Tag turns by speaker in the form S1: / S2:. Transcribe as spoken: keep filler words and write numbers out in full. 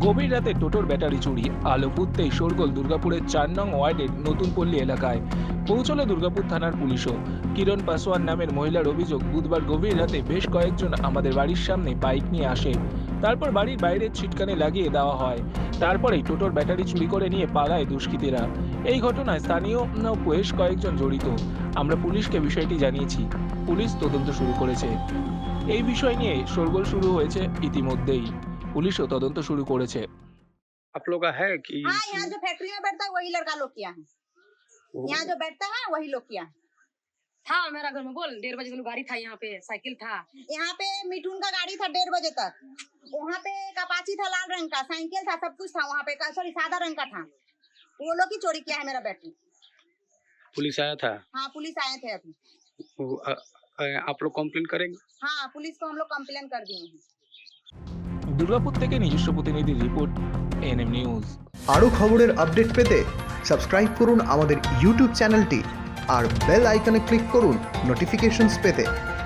S1: গভীর রাতে টোটোর ব্যাটারি চুরি, আলো ফুটতেই শোরগোল দুর্গাপুরের চার নং ওয়ার্ডের নতুন পল্লী এলাকায়। পৌঁছলো দুর্গাপুর থানার পুলিশও। কিরণ পাসওয়ান নামের মহিলার অভিযোগ, বুধবার গভীর রাতে বেশ কয়েকজন আমাদের বাড়ির সামনে বাইক নিয়ে আসে। তারপর বাড়ির বাইরের ছিটকানে লাগিয়ে দেওয়া হয়। তারপরেই টোটোর ব্যাটারি চুরি করে নিয়ে পালায় দুষ্কৃতীরা। এই ঘটনায় স্থানীয় উম, বেশ কয়েকজন জড়িত। আমরা পুলিশকে বিষয়টি জানিয়েছি। পুলিশ তদন্ত শুরু করেছে। এই বিষয় নিয়ে শোরগোল শুরু হয়েছে ইতিমধ্যেই। পুলিশও তদন্ত শুরু করেছে।
S2: आप लोग का है कि
S3: हाँ, यहाँ जो फैक्ट्री में बैठता है वही लड़का लोग किया है।
S2: वो-
S3: यहाँ जो बैठता है वही लोग किया है।
S4: था मेरा घर में बोल डेढ़ बजे तक गाड़ी था यहाँ पे, साइकिल था।
S3: यहाँ पे मिठून का गाड़ी था डेढ़ बजे तक। वहाँ पे कपाची था लाल रंग का, साइकिल था, सब कुछ था वहाँ पे, सॉरी सादा रंग का था। वो लोग ही चोरी किया है मेरा बैटरी।
S2: पुलिस आया था?
S3: हाँ, पुलिस आए थे अभी।
S2: वो, अ, अ, आप लोग कंप्लेन करेंगे?
S3: हाँ, पुलिस को हम लोग कंप्लेन कर दिए हैं।
S1: দুর্গাপুর থেকে নিজস্ব প্রতিনিধি রিপোর্ট, এনএম নিউজ।
S5: আরও খবরের আপডেট পেতে সাবস্ক্রাইব করুন আমাদের ইউটিউব চ্যানেলটি আর বেল আইকনে ক্লিক করুন নোটিফিকেশনস পেতে।